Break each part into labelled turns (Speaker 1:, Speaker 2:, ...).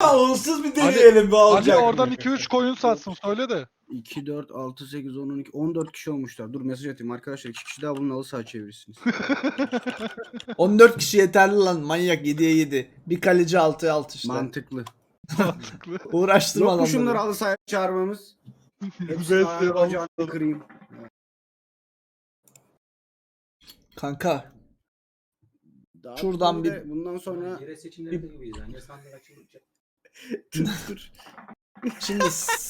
Speaker 1: Onsuz bir deneyelim bir
Speaker 2: Hadi
Speaker 1: olacak.
Speaker 2: oradan 2-3 koyun satsın söyle de.
Speaker 3: 2, 4, 6, 8, 10, 12, 14 kişi olmuşlar. Dur mesaj atayım arkadaşlar. 2 kişi daha bunun halı saha çevirirsiniz.
Speaker 4: 14 kişi yeterli lan manyak 7'ye 7. Bir kaleci 6'ya 6 işte.
Speaker 3: Mantıklı.
Speaker 2: Mantıklı.
Speaker 4: Uğraştırma
Speaker 3: Yok mu
Speaker 4: adamları.
Speaker 3: şunları halı sahaya çağırmamız? Hepsi
Speaker 2: Besleyen
Speaker 3: ayağını
Speaker 2: halı
Speaker 3: bacağını kırayım.
Speaker 4: Kanka
Speaker 3: Daha
Speaker 4: Şuradan
Speaker 3: böyle bundan sonra
Speaker 5: Yere seçimlerinde gibiyiz yani. Ya sandık açılacak.
Speaker 3: dur.
Speaker 4: şimdi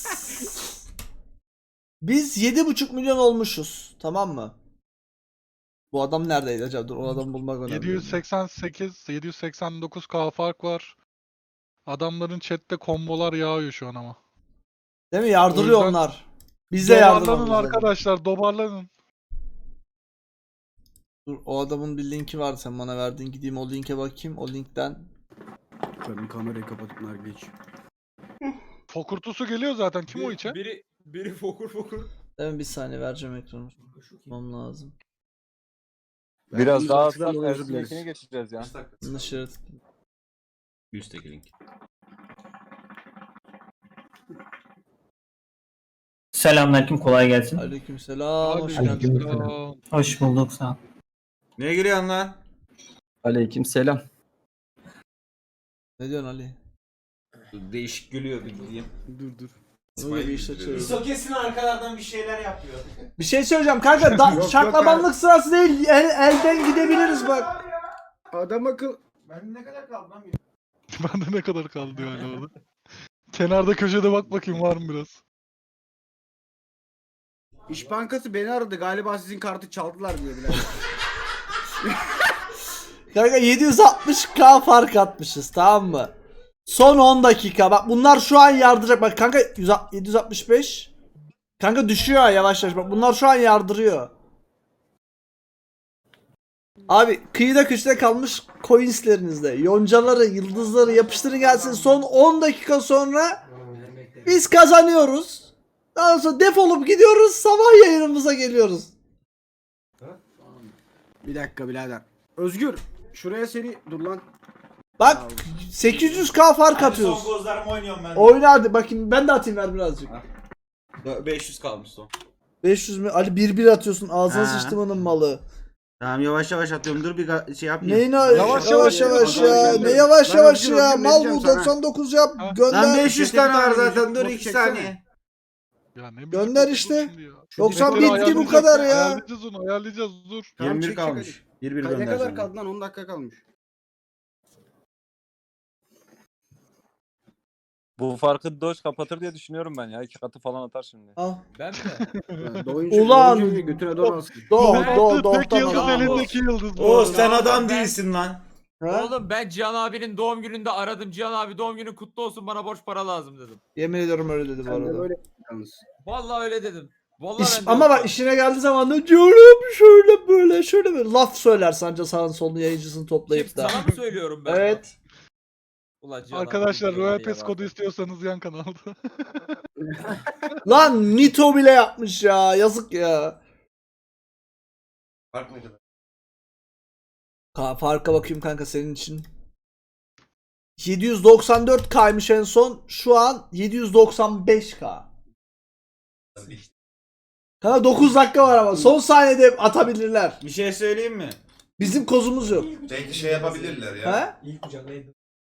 Speaker 4: biz 7,5 milyon olmuşuz tamam mı? Bu adam neredeydi acaba? Dur o adamı bulmak önemli.
Speaker 2: 789k fark var. Adamların chatte kombolar yağıyor şu an ama.
Speaker 4: Değil mi? Yardırıyor
Speaker 2: O yüzden
Speaker 4: onlar. Bize
Speaker 2: Dobarlanın
Speaker 4: yardırmamız lazım.
Speaker 2: arkadaşlar, dobarlanın.
Speaker 4: Dur o adamın bir linki vardı sen bana verdin. Gideyim o linke bakayım. O linkten.
Speaker 3: Benim kamerayı kapatıp nar geç.
Speaker 2: Fokurtusu geliyor zaten. Kim o içe?
Speaker 5: Biri fokur.
Speaker 4: Değil mi? Bir saniye vereceğim ekranı. Tutmam lazım.
Speaker 6: Biraz daha
Speaker 3: Verdiğimiz
Speaker 6: hızlı
Speaker 3: açıdan özür dileriz.
Speaker 6: Ersin'inkine geçeceğiz ya.
Speaker 4: Dışarı.
Speaker 1: Üstteki link.
Speaker 7: Selamünaleyküm, kolay gelsin.
Speaker 4: Aleykümselam. Hoş
Speaker 2: Aleyküm
Speaker 4: geldin.
Speaker 2: selam.
Speaker 7: Hoş bulduk, sağ ol.
Speaker 1: Neye giriyorsun lan?
Speaker 6: Aleyküm selam.
Speaker 4: Ne diyorsun Ali?
Speaker 1: Değişik gülüyor bir gideyim.
Speaker 3: Dur.
Speaker 4: Bunu da bir işte çevir.
Speaker 1: Kesin arkalardan bir şeyler yapıyor.
Speaker 4: Bir şey söyleyeceğim kanka.
Speaker 3: Yok,
Speaker 4: Şaklabanlık sırası değil. Elden gidebiliriz bak.
Speaker 3: Adam akıl.
Speaker 2: Bende ne kadar kaldı diyor hala orada. Kenarda köşede bak bakayım var mı biraz.
Speaker 3: İş Bankası beni aradı. Galiba sizin kartı çaldılar diye bile.
Speaker 4: Kanka 760k fark atmışız tamam mı? Son 10 dakika. Bak bunlar şu an yardıracak. Bak kanka 765. Kanka düşüyor yavaş yavaş. Bak bunlar şu an yardırıyor. Abi kıyıda köşede kalmış coinslerinizde. Yoncaları, yıldızları yapıştırın gelsin. Son 10 dakika sonra biz kazanıyoruz. Daha sonra defolup gidiyoruz. Sabah yayınımıza geliyoruz.
Speaker 3: Bir dakika birader. Özgür. Şuraya seni dur lan.
Speaker 4: Bak 800k fark
Speaker 1: Son
Speaker 4: atıyoruz.
Speaker 1: gozlarımı oynuyorum ben.
Speaker 4: Oyna hadi bakayım ben de atayım ver birazcık.
Speaker 1: 500 kalmış son.
Speaker 4: 500 mü? Ali 1-1 atıyorsun ağzına
Speaker 3: Ha.
Speaker 4: sıçtım malı.
Speaker 3: Tamam yavaş yavaş atıyorum. Dur bir şey yapayım.
Speaker 4: Neyin
Speaker 2: Yavaş
Speaker 4: yavaş
Speaker 2: yavaş
Speaker 4: ya?
Speaker 2: yavaş.
Speaker 4: Ne yavaş
Speaker 3: Ben
Speaker 4: yavaş
Speaker 3: Özgür,
Speaker 4: ya?
Speaker 3: Özgür
Speaker 4: Mal bu
Speaker 3: vereceğim sana.
Speaker 4: 99 yap.
Speaker 2: Ha.
Speaker 4: Gönder.
Speaker 3: Lan
Speaker 1: 500 tane var zaten dur
Speaker 3: Notu
Speaker 1: 2
Speaker 3: çeksene.
Speaker 1: saniye.
Speaker 2: Ya ne
Speaker 4: Gönder
Speaker 2: dur
Speaker 4: işte.
Speaker 2: şimdi ya.
Speaker 4: 90
Speaker 2: Metleri
Speaker 4: bitti bu
Speaker 2: ayarlayacağız,
Speaker 4: kadar ya.
Speaker 2: Ayarlayacağız onu ayarlayacağız dur.
Speaker 3: Tamam,
Speaker 1: 21
Speaker 3: çek,
Speaker 1: kalmış. 1-1
Speaker 3: Ne kadar
Speaker 1: göndereceğim.
Speaker 3: kaldı lan? 10 dakika kalmış.
Speaker 6: Bu farkı Doge kapatır diye düşünüyorum ben ya. 2 katı falan atar şimdi.
Speaker 4: Al.
Speaker 5: Ben mi?
Speaker 4: Ulan.
Speaker 3: Götüne doğru alsın.
Speaker 2: Tek yıldız
Speaker 4: Doğ.
Speaker 2: elindeki yıldız bu.
Speaker 1: Oğuz
Speaker 2: arada.
Speaker 1: sen adam değilsin lan.
Speaker 4: Ha?
Speaker 5: Oğlum ben Cihan abinin doğum gününde aradım. Cihan abi doğum günün kutlu olsun bana borç para lazım dedim.
Speaker 4: Yemin ediyorum öyle dedi bu
Speaker 3: Sen de
Speaker 4: arada.
Speaker 3: böyle yalnız.
Speaker 5: Vallahi öyle dedim. Vallahi ben de
Speaker 4: Ama
Speaker 5: öyle
Speaker 4: bak işine geldiği zaman da diyorum şöyle böyle şöyle böyle laf söyler sanca sağın solunu yayıncısını toplayıp da.
Speaker 5: Sana mı söylüyorum ben?
Speaker 4: Evet.
Speaker 5: Ulan Cihan
Speaker 2: Arkadaşlar
Speaker 5: abi,
Speaker 2: Royal
Speaker 5: ya
Speaker 2: Pass
Speaker 5: bak.
Speaker 2: kodu istiyorsanız yan kanalda.
Speaker 4: Lan Nito bile yapmış ya. Yazık ya.
Speaker 1: Fark ne kadar?
Speaker 4: Farka bakayım kanka senin için. 794k'ymış en son. Şu an 795k. Kanka 9 dakika var ama son saniyede atabilirler.
Speaker 1: Bir şey söyleyeyim mi?
Speaker 4: Bizim kozumuz yok.
Speaker 8: Belki şey yapabilirler ya.
Speaker 4: He?
Speaker 5: İlk kucaklaydım.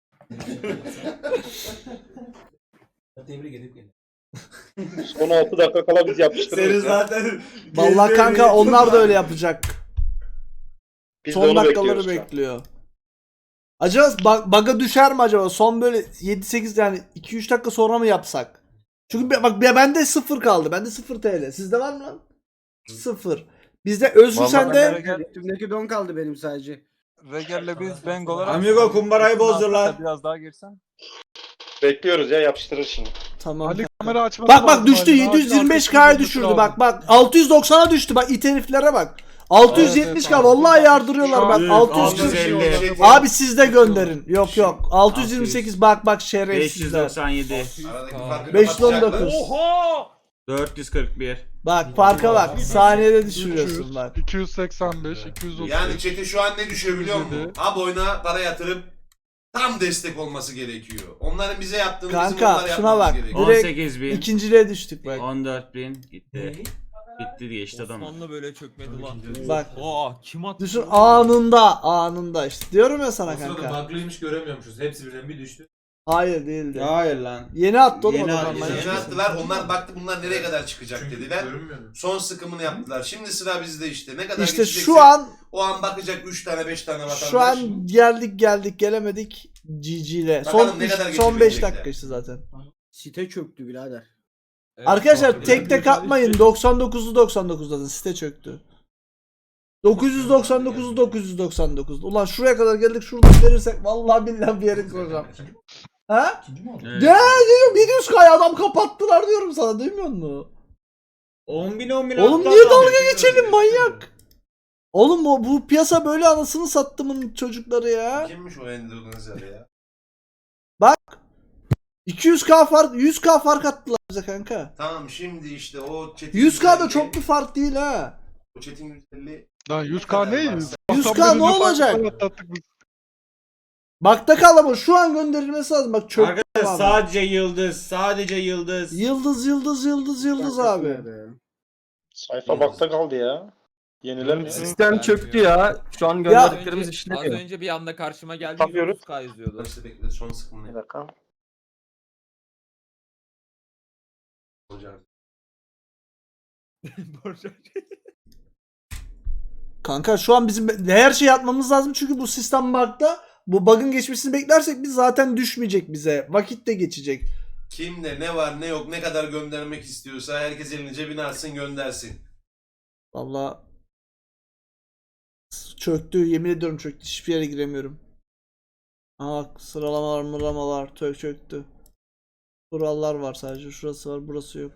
Speaker 5: Tebrik edip gelin.
Speaker 6: Son 6 dakika kala biz
Speaker 1: Seni
Speaker 6: yapıştırırız ya.
Speaker 1: zaten...
Speaker 4: Vallahi kanka onlar da öyle yapacak.
Speaker 6: Biz de
Speaker 4: Son
Speaker 6: onu
Speaker 4: dakikaları
Speaker 6: bekliyoruz şu an.
Speaker 4: bekliyor. Acaba bug'a düşer mi acaba? Son böyle 7-8 yani 2-3 dakika sonra mı yapsak? Çünkü bak bende 0 kaldı. Bende 0 TL. Sizde var mı lan? 0. Bizde Özgür
Speaker 6: Vallahi
Speaker 4: sende
Speaker 6: ben
Speaker 3: Üstümdeki don kaldı benim sadece.
Speaker 6: Regel'le biz Bang olarak...
Speaker 1: Amigo kumbarayı bozdurlar.
Speaker 6: Biraz daha girsen. Bekliyoruz ya yapıştırır şimdi.
Speaker 4: tamam.
Speaker 2: Ali kamera açması
Speaker 4: Bak
Speaker 2: lazım
Speaker 4: düştü
Speaker 2: Ali. Acil
Speaker 4: 725k'ya
Speaker 2: arkasını
Speaker 4: düşürdü
Speaker 2: lazım.
Speaker 4: bak 690'a düştü bak it heriflere bak. 670k
Speaker 2: Evet,
Speaker 4: vallahi yardırıyorlar bak
Speaker 1: Evet,
Speaker 4: 640.
Speaker 1: 650.
Speaker 4: Abi siz de gönderin. Yok 628 bak şerefsizler.
Speaker 1: 597.
Speaker 8: Aradaki farkı
Speaker 4: 519.
Speaker 8: kapatacaklar.
Speaker 5: Oha!
Speaker 1: 441.
Speaker 4: Bak farka bak. Saniyede düşürüyorsun bak.
Speaker 2: 285, 230.
Speaker 8: Yani chat'e şu an ne düşüyor biliyor musun?
Speaker 2: Üzüldü.
Speaker 8: Abi oyuna para yatırıp tam destek olması gerekiyor. Onların bize yaptığını bizim
Speaker 4: Kanka
Speaker 8: onlara
Speaker 4: şuna
Speaker 8: yapmamız
Speaker 4: bak.
Speaker 8: gerekiyor.
Speaker 4: Direkt
Speaker 1: 18.000.
Speaker 4: ikinciliğe düştük bak.
Speaker 1: 14.000 gitti. Bitti geçti adam.
Speaker 5: Osmanlı böyle çökmedi lan.
Speaker 4: Bak.
Speaker 5: Aa kim attı?
Speaker 4: Düşün anında işte. Diyorum ya sana
Speaker 9: O sırada
Speaker 4: kanka.
Speaker 9: baklıymış göremiyormuşuz. Hepsi birden bir düştü.
Speaker 4: Hayır değildi.
Speaker 1: Hayır lan.
Speaker 4: Yeni attı oğlum
Speaker 1: Yeni
Speaker 4: adamlar.
Speaker 1: attı.
Speaker 8: Yeni attılar. Onlar baktı bunlar nereye kadar çıkacak
Speaker 9: Çünkü
Speaker 8: dediler.
Speaker 9: görünmüyordu.
Speaker 8: Son sıkımını yaptılar. Şimdi sıra bizde işte. Ne kadar
Speaker 4: İşte
Speaker 8: geçecekse
Speaker 4: şu an
Speaker 8: o an bakacak 3 tane 5 tane vatandaş.
Speaker 4: şu an geldik gelemedik GG ile.
Speaker 8: Bakalım
Speaker 4: Son
Speaker 8: ne kadar
Speaker 4: son 5
Speaker 8: geçebilecekler.
Speaker 4: dakika işte zaten.
Speaker 3: Site çöktü birader.
Speaker 5: Evet,
Speaker 4: Arkadaşlar
Speaker 5: bak,
Speaker 4: tek tek atmayın. 99'lu 99 zaten site çöktü. 999'lu 999. Ulan şuraya kadar geldik, şuradan verirsek vallahi billahi bir yere koyacağım. Ha?
Speaker 1: Evet.
Speaker 4: Ya diyorum 700K'ya adam kapattılar diyorum sana, duymuyor musun?
Speaker 1: 10.000
Speaker 4: Oğlum
Speaker 1: hatta
Speaker 4: niye
Speaker 1: adam.
Speaker 4: dalga geçelim manyak? Oğlum bu piyasa böyle, anasını sattımın çocukları ya.
Speaker 8: Kimmiş o Endonezya'da ya?
Speaker 4: 200K fark, 100K fark attılar bize kanka.
Speaker 8: Tamam şimdi işte o Çetin
Speaker 4: 100K da
Speaker 8: 150,
Speaker 4: çok bir fark değil ha.
Speaker 8: o Çetin 150
Speaker 2: Lan 100k ne?
Speaker 4: 100K ne olacak? Bakta kal ama şu an gönderilmesi lazım. Bak çok
Speaker 1: Arkadaşlar sadece yıldız. Sadece yıldız.
Speaker 4: yıldız abi.
Speaker 10: Sayfa bakta kaldı ya. Yenilenmiyor.
Speaker 5: Sistem çöktü ya.
Speaker 7: Şu an
Speaker 4: gönderdiklerimiz
Speaker 5: Az önce bir anda karşıma geldi.
Speaker 10: Tapıyoruz.
Speaker 5: 130K yazıyordu.
Speaker 8: işte bekle son sıkımını
Speaker 10: Bir
Speaker 8: yap.
Speaker 10: dakika.
Speaker 4: Kanka şu an bizim her şeyi yapmamız lazım çünkü bu sistem bug'da. Bu bug'ın geçmesini beklersek biz zaten düşmeyecek bize. Vakit de geçecek.
Speaker 8: Kimde ne var ne yok ne kadar göndermek istiyorsa herkes elini cebine atsın göndersin.
Speaker 4: Vallahi çöktü, yemin ediyorum çöktü. Hiçbir yere giremiyorum. Aa bak, sıralamalar çöktü. Kurallar var sadece. Şurası var, burası yok.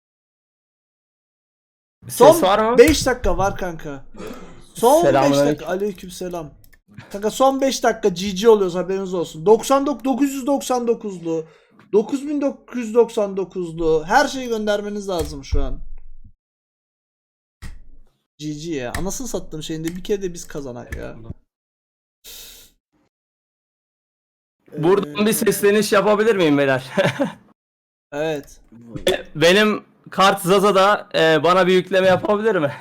Speaker 4: Son 5 dakika var kanka. Son 5 dakika. Aleykümselam. Kanka son 5 dakika GG oluyoruz, haberiniz olsun. 999'lu 9999'lu her şeyi göndermeniz lazım şu an. GG ya. Anasını sattığım şeyinde bir kere de biz kazanak ya.
Speaker 7: Buradan bir sesleniş yapabilir miyim beyler?
Speaker 4: Evet.
Speaker 7: Benim kart Zaza'da bana bir yükleme yapabilir mi?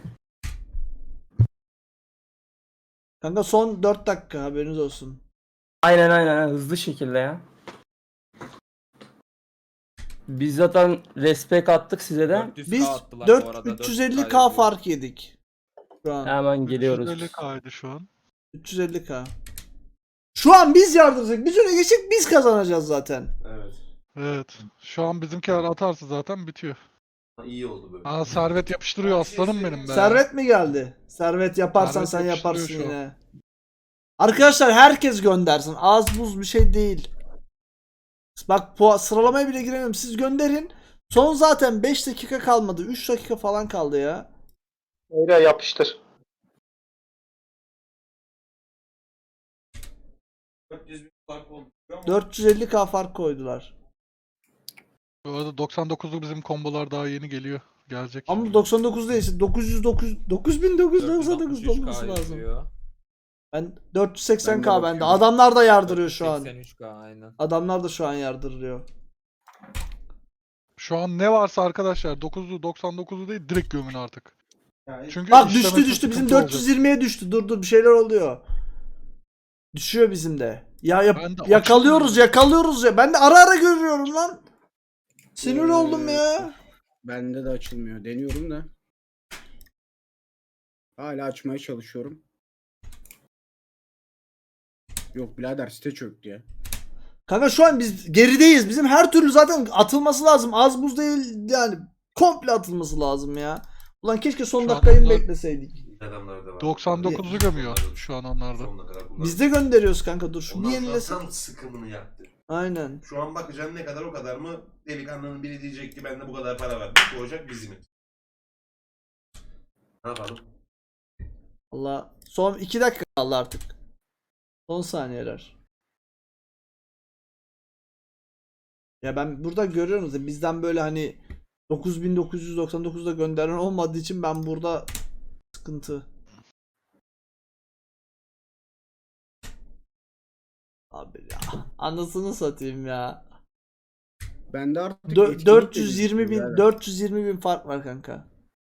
Speaker 4: Kanka son 4 dakika, haberiniz olsun.
Speaker 7: Aynen hızlı şekilde ya. Biz zaten respek attık size de.
Speaker 5: 400K
Speaker 4: Biz
Speaker 5: attılar bu arada,
Speaker 4: 350K
Speaker 5: 400K
Speaker 4: fark yedik. Şu an.
Speaker 7: Hemen geliyoruz.
Speaker 2: 350k'ydı şu an.
Speaker 4: 350K. Şu an biz yardıracak. Biz öne geçecek, biz kazanacağız zaten.
Speaker 8: Evet.
Speaker 2: Evet. Şu an bizimkiler atarsa zaten bitiyor.
Speaker 8: İyi oldu böyle.
Speaker 2: Aa servet yapıştırıyor aslanım benim be.
Speaker 4: Servet mi geldi? Servet yaparsan
Speaker 2: Servet
Speaker 4: sen yaparsın
Speaker 2: yapıştırıyor şu an.
Speaker 4: yine. Arkadaşlar herkes göndersin. Az buz bir şey değil. Bak sıralamaya bile giremiyorum. Siz gönderin. Son zaten 5 dakika kalmadı. 3 dakika falan kaldı ya.
Speaker 10: Öyle yapıştır.
Speaker 1: 400.000 fark oldu.
Speaker 4: 450K fark koydular.
Speaker 2: Bu arada 99'luk bizim kombolar daha yeni geliyor. Gelecek.
Speaker 4: Ama 99 değilse 9999
Speaker 5: 463K
Speaker 4: olması lazım.
Speaker 5: yazıyor.
Speaker 4: Ben 480K
Speaker 3: Ben de
Speaker 4: bende.
Speaker 3: bakıyorum.
Speaker 4: Adamlar da yardırıyor şu an.
Speaker 5: 83K aynen.
Speaker 4: Adamlar da şu an yardırıyor.
Speaker 2: Şu an ne varsa arkadaşlar 9'lu 99'lu değil, direkt gömün artık. Çünkü
Speaker 4: Bak
Speaker 2: işlemesi
Speaker 4: düştü bizim
Speaker 2: sıkıntı olacak.
Speaker 4: 420'ye düştü. Dur bir şeyler oluyor. Düşüyor bizim de.
Speaker 2: Ben de
Speaker 4: Yakalıyoruz ya. Ben de ara görüyorum lan. Sinir oldum ya.
Speaker 3: Bende de açılmıyor. Deniyorum da. Hala açmaya çalışıyorum. Yok birader, site çöktü ya.
Speaker 4: Kanka şu an biz gerideyiz. Bizim her türlü zaten atılması lazım. Az buz değil yani. Komple atılması lazım ya. Ulan keşke son
Speaker 2: Şu
Speaker 4: dakikayı
Speaker 2: adamlar-
Speaker 4: bekleseydik.
Speaker 8: Adamlar da var.
Speaker 2: 99'u gömüyor şu an onlarda.
Speaker 8: Sonuna kadar kullandı.
Speaker 4: Biz de gönderiyoruz kanka, dur şu bir
Speaker 8: Ondan sonra
Speaker 4: yenilesin.
Speaker 8: tam sıkımını yaptı.
Speaker 4: Aynen.
Speaker 8: Şu an bakacaksın ne kadar o kadar mı delikanlının biri diyecek ki ben de bu kadar para verdim. Bu olacak bizim. Ne yapalım?
Speaker 4: Allah son 2 dakika kaldı artık. Son saniyeler. Ya ben burada görüyorum da bizden böyle hani 9999'da gönderen olmadığı için ben burada sıkıntı. Abi ya. Anasını satayım ya.
Speaker 3: Bende artık
Speaker 4: Dö-
Speaker 3: etkinlik
Speaker 4: 420
Speaker 3: de
Speaker 4: bin
Speaker 3: yani.
Speaker 4: 420 bin fark var kanka.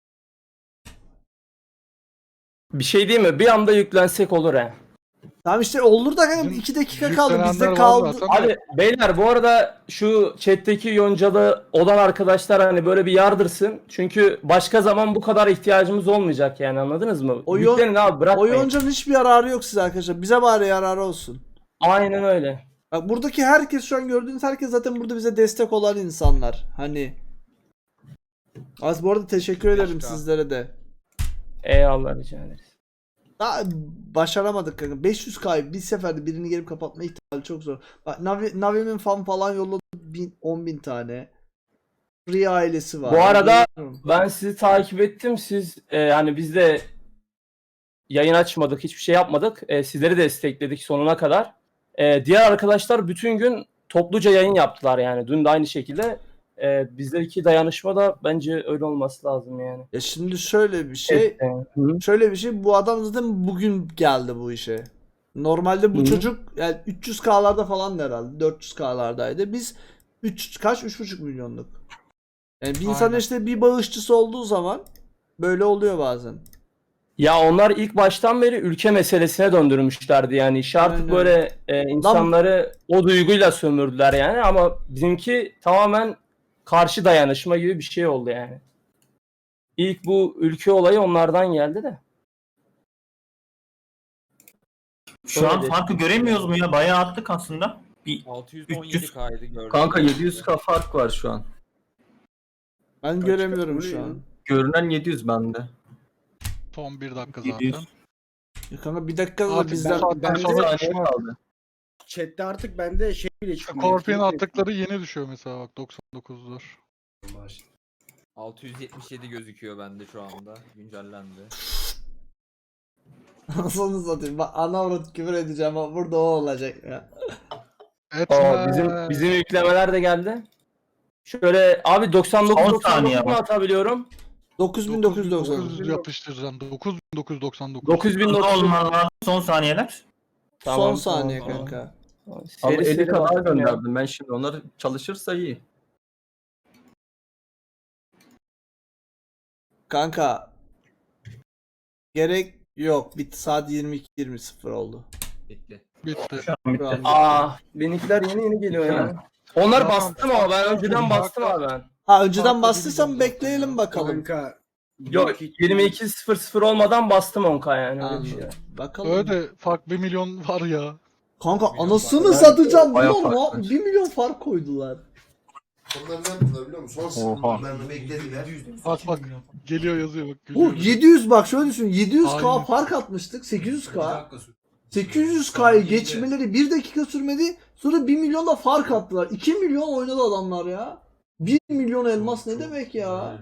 Speaker 7: Bir şey değil mi? Bir anda yüklensek olur he.
Speaker 4: Tamam işte olur da kanka
Speaker 2: Bizim
Speaker 4: 2 dakika kaldı
Speaker 2: yüklenenler
Speaker 4: bizde
Speaker 2: var
Speaker 4: kaldı.
Speaker 2: zaten.
Speaker 7: Abi beyler bu arada şu chat'teki yoncalı olan arkadaşlar hani böyle bir yardırsın. Çünkü başka zaman bu kadar ihtiyacımız olmayacak yani, anladınız mı?
Speaker 4: O yon-
Speaker 7: Yüklenin abi, bırakmayın.
Speaker 4: Oyuncunun hiçbir yararı yok size arkadaşlar. Bize bari yararı olsun.
Speaker 7: Aynen öyle.
Speaker 4: Bak buradaki herkes, şu an gördüğünüz herkes zaten burada bize destek olan insanlar. Hani. Az bu arada teşekkür ederim sizlere de.
Speaker 7: Eyvallah, rica ederiz.
Speaker 4: Daha başaramadık kanka. 500K bir seferde birini gelip kapatma ihtimali çok zor. Bak Navi'nin fan falan yolladı 10.000 tane. Free ailesi var.
Speaker 7: Bu arada
Speaker 4: Bilmiyorum.
Speaker 7: ben sizi takip ettim. Siz hani biz de yayın açmadık, hiçbir şey yapmadık. Sizleri destekledik sonuna kadar. Diğer arkadaşlar bütün gün topluca yayın yaptılar yani. Dün de aynı şekilde. Bizdeki dayanışma da bence öyle olması lazım yani.
Speaker 4: Ya şimdi şöyle bir şey.
Speaker 7: Hı.
Speaker 4: Şöyle bir şey. Bu adam zaten bugün geldi bu işe. Normalde bu
Speaker 7: Hı.
Speaker 4: çocuk yani 300K'larda falan herhalde. 400K'lardaydı. Biz 3,5 milyonluk. Yani bir insan
Speaker 2: Aynen.
Speaker 4: işte bir bağışçısı olduğu zaman böyle oluyor bazen.
Speaker 7: Ya onlar ilk baştan beri ülke meselesine döndürmüşlerdi yani. İşi artık
Speaker 4: Aynen.
Speaker 7: böyle insanları o duyguyla sömürdüler yani, ama bizimki tamamen karşı dayanışma gibi bir şey oldu yani. İlk bu ülke olayı onlardan geldi de.
Speaker 11: Şu an
Speaker 7: Öyle.
Speaker 11: farkı göremiyoruz mu ya? Bayağı attık aslında. Bir
Speaker 5: 617 kaydı gördüm.
Speaker 6: Kanka 700k fark var şu an.
Speaker 4: Ben
Speaker 3: Kaç
Speaker 4: göremiyorum
Speaker 3: kaç
Speaker 4: şu
Speaker 3: oluyor
Speaker 4: an.
Speaker 6: Görünen 700 bende.
Speaker 2: Son 1 dakika
Speaker 11: 700.
Speaker 2: zaten.
Speaker 4: Ya kanka bir dakika da
Speaker 2: Artık
Speaker 4: bizden
Speaker 2: bu saatten
Speaker 3: ben de
Speaker 2: sonra
Speaker 6: Saniye
Speaker 2: düşmez.
Speaker 6: kaldı.
Speaker 3: Chat'te artık bende şey bile çıkmıyor.
Speaker 2: Scorpion
Speaker 3: etkinlik de
Speaker 2: attıkları yeni düşüyor mesela bak 99'lar.
Speaker 5: 677 gözüküyor bende şu anda. Güncellendi.
Speaker 4: Anasını satayım. Bak ana avrat küfür edeceğim ama burada o olacak ya.
Speaker 2: Etme.
Speaker 7: Bizim yüklemeler de geldi. Şöyle abi
Speaker 11: 10 saniye
Speaker 7: 99 mu
Speaker 11: var.
Speaker 7: atabiliyorum?
Speaker 4: 9990.
Speaker 2: 900 yapıştıracaksın. 9999.
Speaker 7: 9900
Speaker 11: olman lazım. Son saniyeler.
Speaker 4: Son saniye
Speaker 7: tamam.
Speaker 4: kanka.
Speaker 6: Ama
Speaker 7: Seri
Speaker 6: 50
Speaker 7: seri
Speaker 6: kadar
Speaker 7: baktım ya.
Speaker 6: gönderdim ben şimdi. Onlar çalışırsa iyi.
Speaker 4: Kanka. Gerek yok. Bitti, saat 22:20 oldu.
Speaker 5: Bitti.
Speaker 2: Bitti.
Speaker 11: Şu an bitti.
Speaker 4: Şu an.
Speaker 7: Benimkiler yeni geliyor ya. Onlar
Speaker 2: Tamam.
Speaker 7: bastım ama ben önceden bastım abi ben.
Speaker 4: Ha önceden
Speaker 2: Farklı
Speaker 4: bastıysan
Speaker 2: bilmiyorum
Speaker 4: bekleyelim
Speaker 2: zaten
Speaker 4: bakalım.
Speaker 3: Kanka.
Speaker 7: Yok 22.00 olmadan bastım 10k yani. Öyle bir şey.
Speaker 4: Anladım. Bakalım.
Speaker 2: Öyle fark 1 milyon var ya.
Speaker 4: Kanka
Speaker 5: Milyon
Speaker 4: anasını
Speaker 5: fark.
Speaker 4: satacağım.
Speaker 6: Bayağı
Speaker 4: Biliyor
Speaker 6: fark
Speaker 4: musun?
Speaker 6: var.
Speaker 4: 1 milyon fark koydular.
Speaker 8: Onlar ne yaptılar biliyor musun? Son
Speaker 6: Oha.
Speaker 8: sınırlarını beklediler.
Speaker 2: Bak geliyor yazıyor bak.
Speaker 4: Oh
Speaker 2: Gülüyor.
Speaker 4: 700 bak şöyle düşün. 700K
Speaker 2: Aynen.
Speaker 4: fark atmıştık. 800K. 800K'yı geçmeleri 1 dakika sürmedi. Sonra 1 milyonla fark attılar. 2 milyon oynadı adamlar ya. 1 milyon elmas ne demek ya?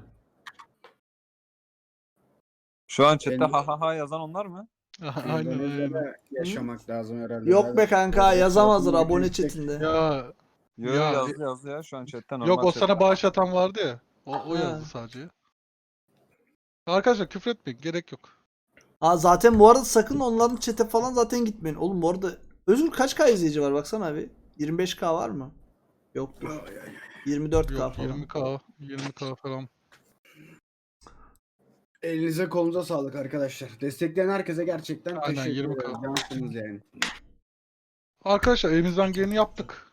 Speaker 6: Şu an chatte
Speaker 3: Benim-
Speaker 6: ha ha ha yazan onlar mı?
Speaker 2: Aynen
Speaker 3: Aynen.
Speaker 2: öyle.
Speaker 3: Yaşamak lazım herhalde.
Speaker 4: Yok be kanka yazamazlar abone
Speaker 3: Yüksek.
Speaker 4: chatinde.
Speaker 2: Ya
Speaker 6: Yo
Speaker 2: Ya.
Speaker 6: yazdı ya şu an chatte normal.
Speaker 2: yok o
Speaker 6: chat.
Speaker 2: sana bağış atan vardı ya. O
Speaker 4: Ha.
Speaker 2: yazdı sadece. Arkadaşlar küfür etmeyin, gerek yok.
Speaker 4: Ha zaten bu arada sakın onların chat'e falan zaten gitmeyin. Oğlum bu arada Özgür kaç K izleyici var baksana abi. 25K var mı? Yoktur. 24K
Speaker 2: Yok
Speaker 4: falan.
Speaker 2: 20k falan.
Speaker 3: Elinize kolunuza sağlık arkadaşlar. Destekleyen herkese gerçekten
Speaker 2: Aynen,
Speaker 3: teşekkür
Speaker 2: 20K.
Speaker 3: ederim. Cansınız yani.
Speaker 2: Arkadaşlar elimizden geleni yaptık.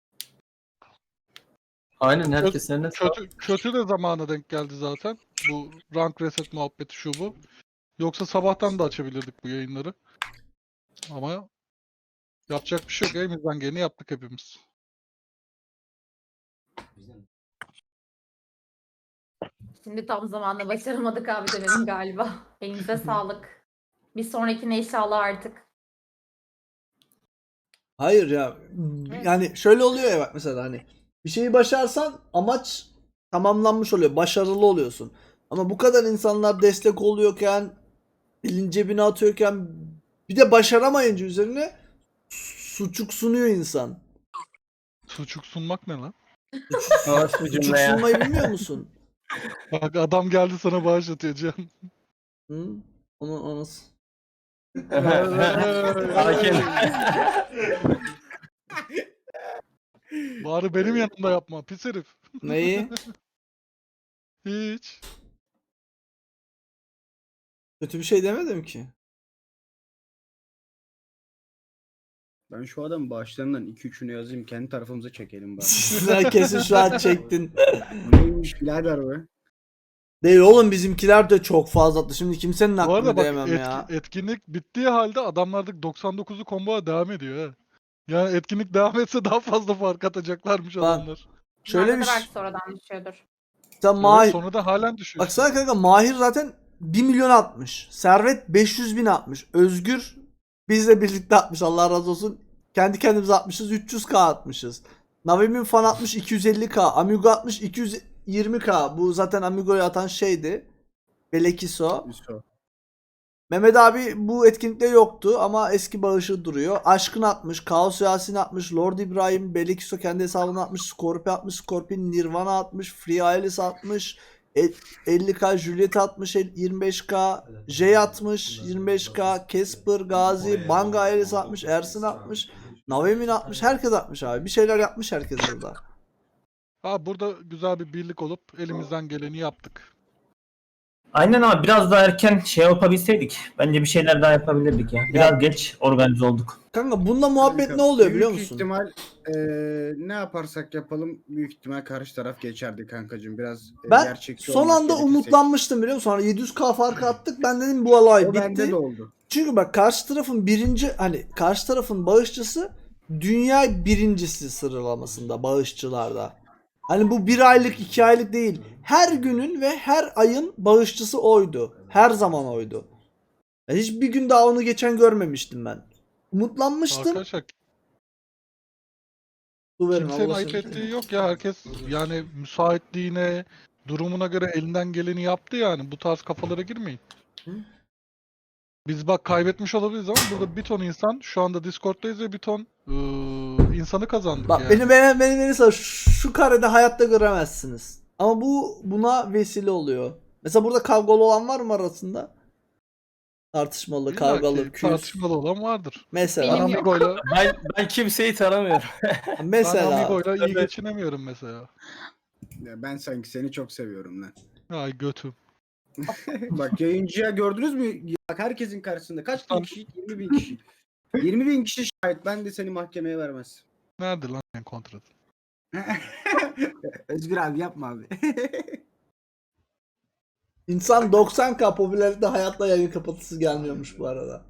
Speaker 6: Aynen herkes eline
Speaker 2: Kötü de zamana denk geldi zaten. Bu rank reset muhabbeti şu bu. Yoksa sabahtan da açabilirdik bu yayınları. Ama yapacak bir şey yok. Elimizden geleni yaptık hepimiz.
Speaker 12: Şimdi tam zamanla başaramadık abi demedim galiba. Elinize sağlık. Bir sonrakine inşallah artık.
Speaker 4: Hayır ya. Yani şöyle oluyor ya bak mesela hani bir şeyi başarsan amaç tamamlanmış oluyor. Başarılı oluyorsun. Ama bu kadar insanlar destek oluyorken elin cebine atıyorken bir de başaramayınca üzerine suçuk sunuyor insan.
Speaker 2: Suçuk sunmak ne lan?
Speaker 7: Yavaş bir
Speaker 4: Suçuk
Speaker 7: cümle ya.
Speaker 4: sunmayı bilmiyor musun?
Speaker 2: Bak adam geldi sana bağış atıyor Cihan.
Speaker 4: Hı? Onu
Speaker 7: Sakin.
Speaker 2: Bari benim yanımda yapma pis herif.
Speaker 4: Neyi?
Speaker 2: Hiç.
Speaker 4: Kötü bir şey demedim ki.
Speaker 3: Ben şu adamın bağışlarından 2-3'ünü yazayım. Kendi tarafımıza çekelim bari.
Speaker 4: Sen kesin şu an çektin.
Speaker 3: Neymiş birader be?
Speaker 4: Değil oğlum, bizimkiler de çok fazla attı. Şimdi kimsenin
Speaker 2: Bu arada
Speaker 4: aklını
Speaker 2: bak
Speaker 4: diyemem ya.
Speaker 2: etkinlik bittiği halde adamlardaki 99'u combo'a devam ediyor ha. Yani etkinlik devam etse daha fazla fark atacaklarmış
Speaker 4: Bak,
Speaker 2: adamlar.
Speaker 4: Şöyle
Speaker 12: Şöyle
Speaker 4: bir
Speaker 12: belki sonradan düşüyordur.
Speaker 4: sen
Speaker 2: Evet,
Speaker 4: Mahir,
Speaker 2: sonra da halen düşüyor.
Speaker 4: baksana kanka, Mahir zaten 1 milyon atmış. Servet 500 bin atmış. Özgür bizle birlikte atmış, Allah razı olsun. Kendi kendimize atmışız, 300k atmışız. Navimin fan atmış 250k. Amigo atmış 220k. Bu zaten Amigo'ya atan şeydi. Belekiso.
Speaker 3: Üso.
Speaker 4: Mehmet abi bu etkinlikte yoktu ama eski bağışı duruyor. Aşkın atmış, Kaos Yasin atmış, Lord İbrahim, Belekiso kendi hesabına atmış, Scorpio atmış, Scorpion Nirvana atmış, Free Alice atmış, 50k Juliet atmış, 25k J atmış, 25k Casper, Gazi, Banga Alice atmış, Ersin atmış, Navemin atmış, herkes atmış abi. Bir şeyler yapmış herkes burada.
Speaker 2: Ha, burada güzel bir birlik olup elimizden geleni yaptık.
Speaker 11: Aynen abi, biraz daha erken şey yapabilseydik. Bence bir şeyler daha yapabilirdik ya. Biraz geç organize olduk.
Speaker 4: Kanka bunda muhabbet
Speaker 3: Kanka,
Speaker 4: ne oluyor biliyor
Speaker 3: büyük
Speaker 4: musun?
Speaker 3: ihtimal ne yaparsak yapalım büyük ihtimal karşı taraf geçerdi kankacığım. Biraz
Speaker 4: Ben
Speaker 3: gerçekçi
Speaker 4: son
Speaker 3: olmak
Speaker 4: anda
Speaker 3: gerekirse.
Speaker 4: umutlanmıştım biliyor musun? Sonra 700k farkı attık. Ben dedim bu olay
Speaker 3: O bende
Speaker 4: bitti.
Speaker 3: de oldu.
Speaker 4: Çünkü bak, karşı tarafın karşı tarafın bağışçısı dünya birincisi sıralamasında bağışçılarda. Hani bu 1 aylık 2 aylık değil. Her günün ve her ayın bağışçısı oydu. Her zaman oydu. Yani hiçbir gün daha onu geçen görmemiştim ben. Umutlanmıştım.
Speaker 2: Arkadaşlar
Speaker 4: Su verin,
Speaker 2: kimsenin
Speaker 4: Allah
Speaker 2: ayıp
Speaker 4: seni-
Speaker 2: ettiği yok ya. Herkes yani müsaitliğine, durumuna göre elinden geleni yaptı yani. Bu tarz kafalara girmeyin.
Speaker 4: Hı?
Speaker 2: Biz bak kaybetmiş olabiliriz ama burada bir ton insan şu anda Discord'dayız ve bir ton insanı kazandık
Speaker 4: Bak
Speaker 2: yani.
Speaker 4: beni şu karede hayatta göremezsiniz. Ama buna vesile oluyor. Mesela burada kavgalı olan var mı arasında? Tartışmalı,
Speaker 2: İlla
Speaker 4: kavgalı,
Speaker 2: ki
Speaker 4: küs.
Speaker 2: tartışmalı olan vardır.
Speaker 4: Mesela.
Speaker 2: Ben
Speaker 12: Benim yok.
Speaker 2: Amigo'yla
Speaker 7: Ben kimseyi tanımıyorum.
Speaker 2: ben
Speaker 4: Mesela.
Speaker 2: Amigo'yla iyi geçinemiyorum mesela.
Speaker 3: Ya ben sanki seni çok seviyorum lan.
Speaker 2: Ay götüm.
Speaker 3: Bak yayıncıya gördünüz mü? Bak herkesin karşısında. Kaç bin
Speaker 2: Tamam.
Speaker 3: kişi? 20 bin kişi. 20 bin kişi şahit. Ben de seni mahkemeye vermez.
Speaker 2: Nerede lan senin kontratın?
Speaker 3: Özgür abi yapma abi.
Speaker 4: İnsan 90k popülerlikte hayatta yayın kapatısı gelmiyormuş bu arada.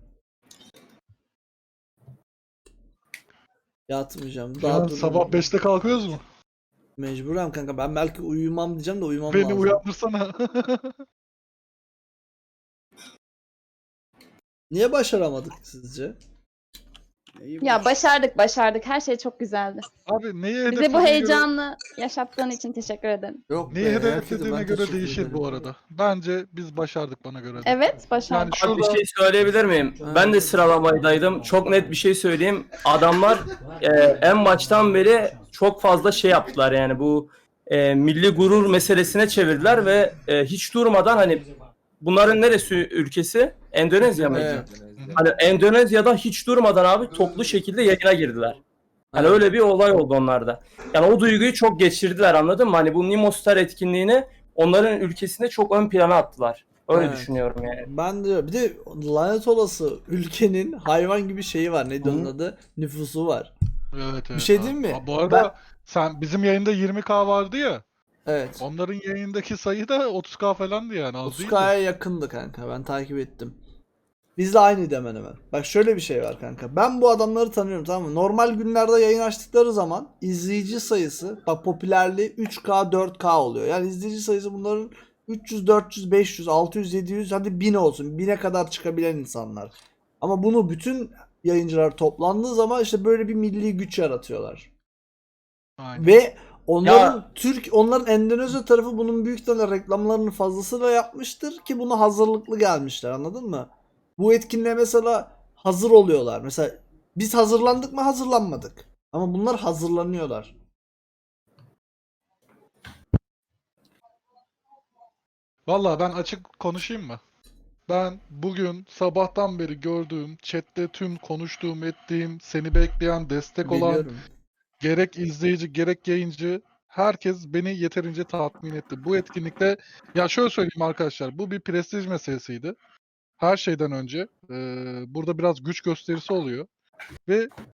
Speaker 4: Yatmayacağım. Daha
Speaker 2: Yarın
Speaker 4: dur.
Speaker 2: sabah 5'te kalkıyoruz mu?
Speaker 4: Mecburen kanka. Ben belki uyumam diyeceğim de uyumam
Speaker 2: Beni
Speaker 4: lazım.
Speaker 2: uyandırsana.
Speaker 4: Niye başaramadık sizce?
Speaker 3: Ya
Speaker 12: başardık. Her şey çok güzeldi.
Speaker 2: Abi neyi
Speaker 12: Bize bu
Speaker 2: hedeflediğine göre,
Speaker 12: heyecanlı yaşattığın için teşekkür ederim.
Speaker 4: Yok
Speaker 2: neyi
Speaker 4: be,
Speaker 2: hedeflediğine
Speaker 4: herkese ben
Speaker 2: göre
Speaker 4: teşekkür
Speaker 2: değişir
Speaker 4: ederim.
Speaker 2: bu arada. Bence biz başardık bana göre. de.
Speaker 12: Evet, başardık.
Speaker 2: Yani
Speaker 7: Abi bir
Speaker 2: şurada
Speaker 7: şey söyleyebilir miyim? Ben de sıralamadaydım. Çok net bir şey söyleyeyim. Adamlar en baştan beri çok fazla şey yaptılar yani bu milli gurur meselesine çevirdiler ve hiç durmadan hani bunların neresi ülkesi? Endonezya mıydı?
Speaker 4: Evet.
Speaker 7: Hani Endonezya'da hiç durmadan abi toplu şekilde yayına girdiler. Hani öyle bir olay oldu onlarda. Yani o duyguyu çok geçirdiler, anladın mı? Hani bu Nimostar etkinliğini onların ülkesinde çok ön plana attılar. Öyle
Speaker 4: Evet.
Speaker 7: düşünüyorum yani.
Speaker 4: Ben de bir de lanet olası ülkenin hayvan gibi şeyi var. Neydi onun adı? Nüfusu var.
Speaker 2: evet, evet.
Speaker 4: şey diyeyim mi?
Speaker 2: Ha, bu arada sen bizim yayında 20k vardı ya.
Speaker 4: Evet.
Speaker 2: Onların yayındaki sayı da 30k falandı yani. Az değildi.
Speaker 4: 30k'ya yakındı kanka. Ben takip ettim. Bizle aynıydı hemen hemen. Bak şöyle bir şey var kanka. Ben bu adamları tanıyorum, tamam mı? Normal günlerde yayın açtıkları zaman izleyici sayısı, bak popülerliği 3k 4k oluyor. Yani izleyici sayısı bunların 300, 400, 500, 600, 700 hadi 1000 olsun. 1000'e kadar çıkabilen insanlar. Ama bunu bütün yayıncılar toplandığı zaman işte böyle bir milli güç yaratıyorlar.
Speaker 2: Aynen.
Speaker 4: Ve onların Endonezya tarafı bunun büyük ihtimalle reklamlarını fazlasıyla yapmıştır ki buna hazırlıklı gelmişler, anladın mı? Bu etkinliğe mesela hazır oluyorlar. Mesela biz hazırlandık mı? Hazırlanmadık. Ama bunlar hazırlanıyorlar.
Speaker 2: Vallahi ben açık konuşayım mı? Ben bugün sabahtan beri gördüğüm, chatte tüm konuştuğum, ettiğim, seni bekleyen, destek olan
Speaker 4: Biliyorum.
Speaker 2: gerek izleyici gerek yayıncı herkes beni yeterince tatmin etti. Bu etkinlikte ya şöyle söyleyeyim arkadaşlar, bu bir prestij meselesiydi. Her şeyden önce burada biraz güç gösterisi oluyor ve